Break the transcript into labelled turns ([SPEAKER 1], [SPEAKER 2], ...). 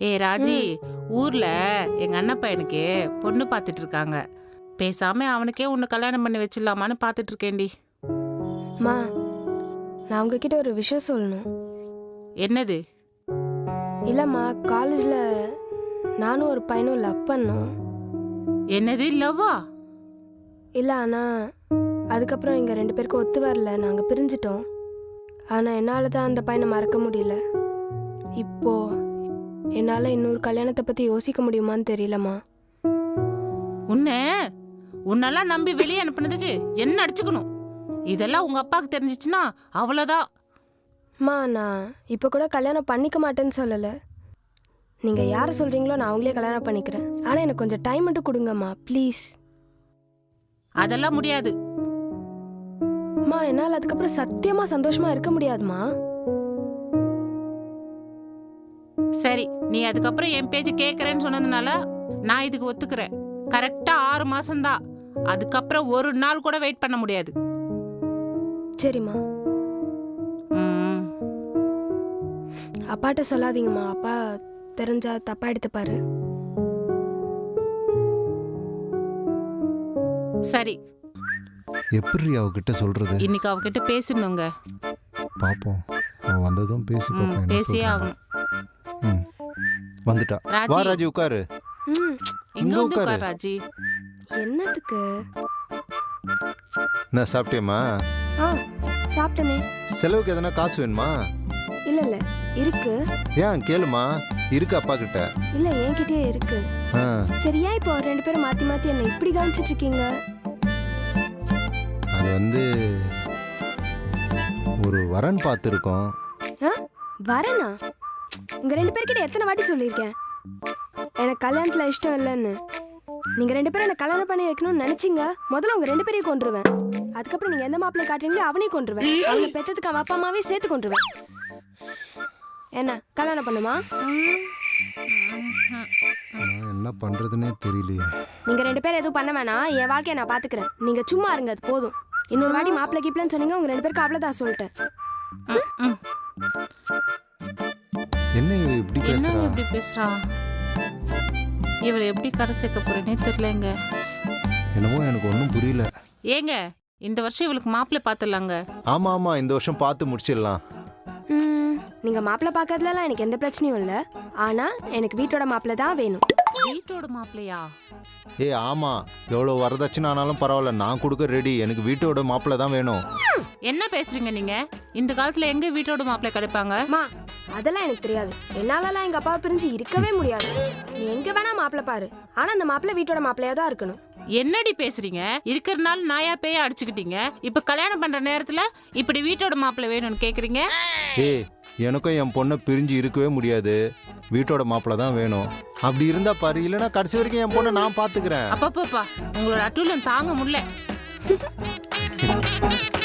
[SPEAKER 1] ராஜி, ஊர்ல எங்க அண்ணன் பையனுக்கு பொண்ணு பார்த்துட்டு இருக்காங்க. பேசாம அவனுக்கே உன்னை கல்யாணம் பண்ணி வச்சிடலாமான்னு பார்த்துட்டு இருக்கேன்டி.
[SPEAKER 2] மா, நான் உங்ககிட்ட ஒரு விஷயம் சொல்லணும்.
[SPEAKER 1] என்னது?
[SPEAKER 2] இல்லம்மா, காலேஜ்ல நானும் ஒரு பையனும் லவ் பண்ணோம்.
[SPEAKER 1] என்னது, லவ்வா?
[SPEAKER 2] இல்லை, ஆனால் அதுக்கப்புறம் எங்கள் 2 பேருக்கும் ஒத்து வரல, நாங்கள் பிரிஞ்சிட்டோம். ஆனால் என்னால் தான் அந்த பையனை மறக்க முடியல. இப்போ என்னால் இன்னொரு கல்யாணத்தை பற்றி யோசிக்க முடியுமான்னு தெரியலம்மா.
[SPEAKER 1] உன்னெல்லாம் நம்பி வெளியே அனுப்புனதுக்கு என்ன அடிச்சுக்கணும்? இதெல்லாம் உங்க அப்பாவுக்கு தெரிஞ்சிச்சுன்னா அவ்வளோதான்.
[SPEAKER 2] அம்மா, நான் இப்போ கூட கல்யாணம் பண்ணிக்க மாட்டேன்னு சொல்லலை. நீங்கள் யாரை சொல்கிறீங்களோ நான் அவங்களே கல்யாணம் பண்ணிக்கிறேன். ஆனால் எனக்கு கொஞ்சம் டைம் மட்டும் கொடுங்கம்மா, ப்ளீஸ்.
[SPEAKER 1] அதெல்லாம் முடியாது.
[SPEAKER 2] அம்மா, என்னால் அதுக்கப்புறம் சத்தியமாக சந்தோஷமாக இருக்க முடியாதுமா.
[SPEAKER 1] சரி, நீ அதுக்கப்புறம் என் பேச்சு கேட்கறேன்னு சொன்னதுனால நான் இதுக்கு ஒத்துக்கிறேன். கரெக்டா 6 மாசம்தான். அதுக்கப்புறம் ஒரு நாள் கூட வெயிட் பண்ண முடியாது.
[SPEAKER 2] சரிம்மா. அப்பாட்ட சொல்லாதீங்கம்மா, அப்பா தெரிஞ்சா தப்பா எடுத்துப்பாரு.
[SPEAKER 1] சரி,
[SPEAKER 3] எப்படி அவகிட்ட சொல்றது?
[SPEAKER 1] இன்னைக்கு அவகிட்ட பேசணுங்க.
[SPEAKER 3] பாப்போம், அவ வந்ததும் பேசி பாப்போம்.
[SPEAKER 1] பேசியே ஆகணும்.
[SPEAKER 3] வந்துட்டா. வா ராஜி, உட்காரு.
[SPEAKER 1] இங்க வந்து உட்கார் ராஜி.
[SPEAKER 2] என்னத்துக்கு?
[SPEAKER 3] நான் சாப்பிட்டேம்மா.
[SPEAKER 2] சாப்பிட்டனே.
[SPEAKER 3] செலவுக்கு எதனா காசு வேணுமா?
[SPEAKER 2] இல்ல இல்ல, இருக்கு.
[SPEAKER 3] ஏன் கேளுமா, இருக்கு அப்பா கிட்ட.
[SPEAKER 2] இல்ல, என்கிட்டயே இருக்கு. சரியா, இப்போ 2 பேரும் மாத்தி மாத்தி என்ன இப்படி கவனிச்சிட்டு இருக்கீங்க?
[SPEAKER 3] அது வந்து ஒரு வரன் பார்த்துருக்கோம்.
[SPEAKER 2] வரனா? உங்க 2 பேர்கிட்ட எத்தனை வாட்டி சொல்லியிருக்கேன் எனக்கு கல்யாணத்துல இஷ்டம் இல்லைன்னு. நீங்க 2 பேரும் என்ன கல்யாணம் பண்ணி வைக்கணும்னு நினைச்சீங்க, முதல்ல உங்க 2 பேரையும் கொன்றுவேன். அதுக்கப்புறம் நீங்க எந்த மாப்பிள்ளை காட்டுறீங்களோ அவனையும் கொன்றுவேன். அவனை பெற்றதுக்கு அவன் அப்பா அம்மாவே சேர்த்து கொன்றுவேன். என்ன கல்யாணம் பண்ணுமா?
[SPEAKER 3] என்ன பண்றதுன்னே தெரியலையே.
[SPEAKER 2] நீங்க 2 பேரும் எதுவும் பண்ண வேணாம், என் வாழ்க்கையை நான் பாத்துக்கிறேன். நீங்க சும்மா இருங்க, அது போதும். இன்னொரு வாட்டி மாப்பிள்ளை கீப்பிளன்னு சொன்னீங்க, உங்க 2 பேருக்கு அவ்வளவுதான் சொல்லிட்டேன்.
[SPEAKER 3] என்ன இவ இப்படி
[SPEAKER 1] பேசுறா? இவளை எப்படி கரை சேர்க்க போறேனே தெரியலங்க.
[SPEAKER 3] என்னமோ எனக்கு ஒன்றும் புரியல.
[SPEAKER 1] ஏங்க, இந்த வருஷம் இவளுக்கு மாப்பிள்ளை பார்த்துடலாங்க.
[SPEAKER 3] ஆமா ஆமா, இந்த வருஷம் பார்த்து முடிச்சிடலாம்.
[SPEAKER 2] நீங்க மாப்பிள்ளை பார்க்கறதுலாம் எனக்கு எந்த பிரச்சனையும் இல்லை. ஆனா எனக்கு வீட்டோட மாப்பிள்ளை தான் வேணும்.
[SPEAKER 1] வீட்டோட மாப்பிள்ளையா?
[SPEAKER 3] ஆமா, எவ்வளோ வரதட்சணை ஆனாலும் பரவாயில்ல, நான் கொடுக்க ரெடி. எனக்கு வீட்டோட மாப்பிள்ளை தான் வேணும்.
[SPEAKER 1] என்ன பேசுறீங்க நீங்க? இந்த காலத்துல எங்க வீட்டோட மாப்பிள்ளை கிடைப்பாங்க?
[SPEAKER 2] அதெல்லாம் எனக்கு தெரியாது. என்னாலலாம் எங்க அப்பாவை பிரிஞ்சு இருக்கவே முடியாது. நீ எங்க வேணா மாப்பிள்ளை பாரு, ஆனா அந்த மாப்பிள்ளை வீட்டோட மாப்பிள்ளையா தான் இருக்கணும்.
[SPEAKER 1] என்னடி பேசுறீங்க? இருக்கிறனால நாயா பேயா அடிச்சுக்கிட்டீங்க. இப்ப கல்யாணம் பண்ற நேரத்துல இப்படி வீட்டோட மாப்பிள்ளை வேணும்னு கேக்குறீங்க?
[SPEAKER 3] எனக்கும் என் பொண்ணை பிரிஞ்சு இருக்கவே முடியாது. வீட்டோட மாப்பிள்ளை தான் வேணும். அப்படி இருந்தா பாரு, இல்லைன்னா கடைசி வரைக்கும் என் பொண்ணை நான் பாத்துக்கிறேன்.
[SPEAKER 1] அப்பப்பா, உங்களோட அட்டூழியம் தாங்க முடியல.